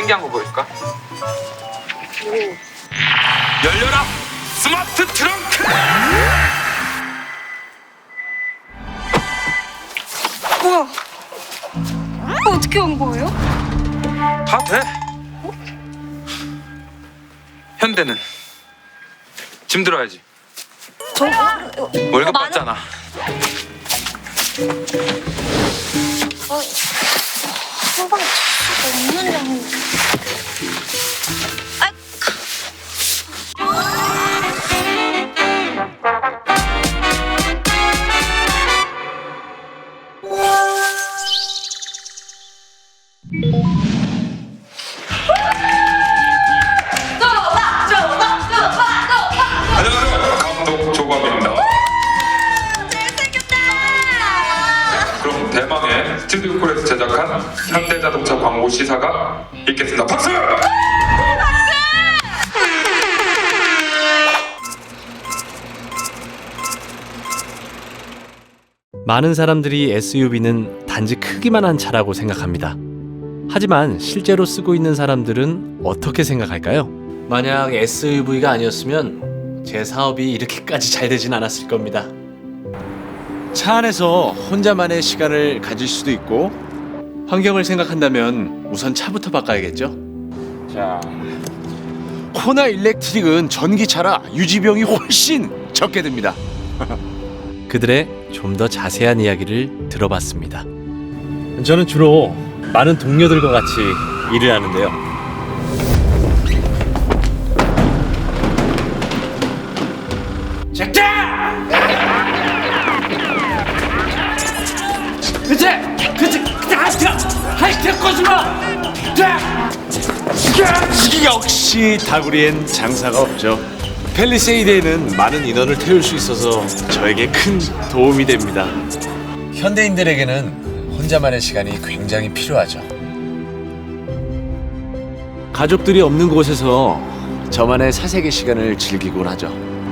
신기한 거 보여줄까? 열려라 스마트 트렁크! 뭐야? 어떻게 온 거예요? 다 돼. 현대는 짐 들어야지. 월급 받잖아. 한방 없는 양. 안녕하세요. 감독 조광입니다. 잘생겼다. 그럼 대망의 스튜디오 콜에서 제작한 현대자동차 광고 시사가 있겠습니다. 박수! 많은 사람들이 SUV는 단지 크기만 한 차라고 생각합니다. 하지만 실제로 쓰고 있는 사람들은 어떻게 생각할까요? 만약 SUV가 아니었으면 제 사업이 이렇게까지 잘 되진 않았을 겁니다. 차 안에서 혼자만의 시간을 가질 수도 있고 환경을 생각한다면 우선 차부터 바꿔야겠죠? 자, 호나 일렉트릭은 전기차라 유지비용이 훨씬 적게 듭니다. 그들의 좀 더 자세한 이야기를 들어봤습니다. 저는 주로 많은 동료들과 같이 일을 하는데요. 역시 다구리엔 장사가 없죠. 펠리세이드에는 많은 인원을 태울 수 있어서 저에게 큰 도움이 됩니다. 현대인들에게는 혼자만의 시간이 굉장히 필요하죠. 가족들이 없는 곳에서 저만의 사색의 시간을 즐기곤 하죠.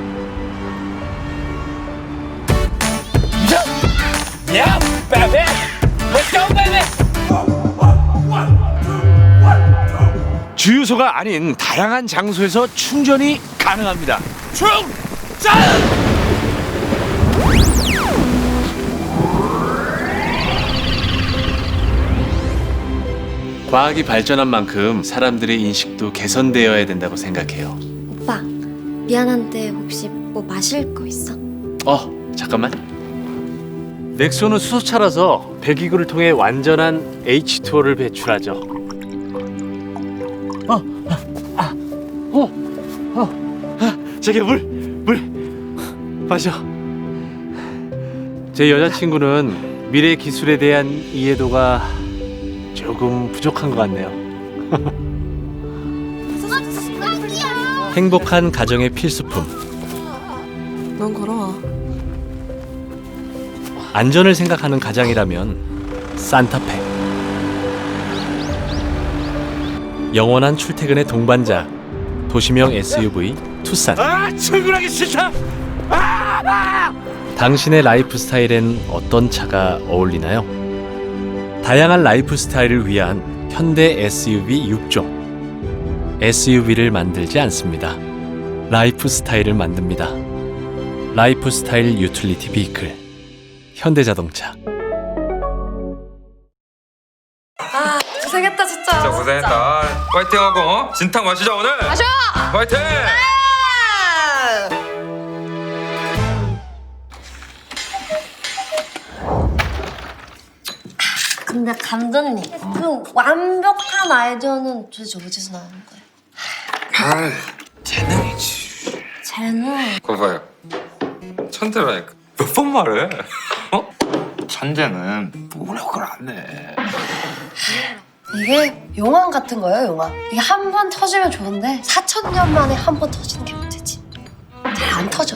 야, 베베! Let's go, baby! 주유소가 아닌 다양한 장소에서 충전이 가능합니다. 충전! 과학이 발전한 만큼 사람들의 인식도 개선되어야 된다고 생각해요. 오빠, 미안한데 혹시 뭐 마실 거 있어? 잠깐만. 넥소는 수소차라서 배기구를 통해 완전한 H2O를 배출하죠. 저기 물 마셔. 제 여자친구는 미래 기술에 대한 이해도가 조금 부족한 것 같네요. 행복한 가정의 필수품. 넌 걸어와. 안전을 생각하는 가장이라면 산타페. 영원한 출퇴근의 동반자. 도시명 SUV 투싼. 출근하기 싫다. 당신의 라이프 스타일엔 어떤 차가 어울리나요? 다양한 라이프 스타일을 위한 현대 SUV 6종. SUV를 만들지 않습니다. 라이프 스타일을 만듭니다. 라이프 스타일 유틸리티 비클. 현대자동차. 고생했다 진짜. 진짜 고생했다. 파이팅하고 진탕 마시자 오늘. 마셔. 파이팅! 근데 감독님, 그 완벽한 아이디어는 도대체 어디서 나오는 거예요? 재능이지. 쟤는 그거 봐요. 천재라니까. 몇 번 말해? 천재는 노력을 안 해. 이게 용암 같은 거예요, 용암. 이게 한 번 터지면 좋은데 4,000년 만에 한 번 터지는 게 문제지. 잘 안 터져.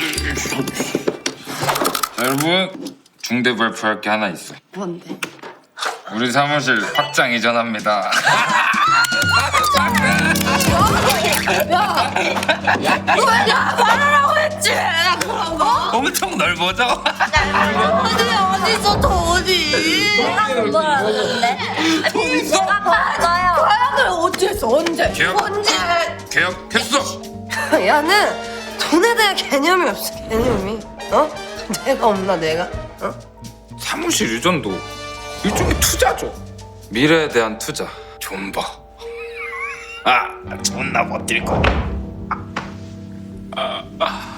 자, 여러분 중대 발표할 게 하나 있어. 뭔데? 우리 사무실 확장 이전합니다. 야, 말하라고 했지. 그런 거? 엄청 넓어져. 어디서 돈이? 내가 그거였는데. 내가 받아요. 계약을 어째서 언제? 계약. 언제? 계약했어. 야는 돈에 대한 개념이 없어. 개념이. 어? 내가 없나 내가? 어? 사무실 유전도 일종의 투자죠. 미래에 대한 투자. 존버. 존나 버틸 거야.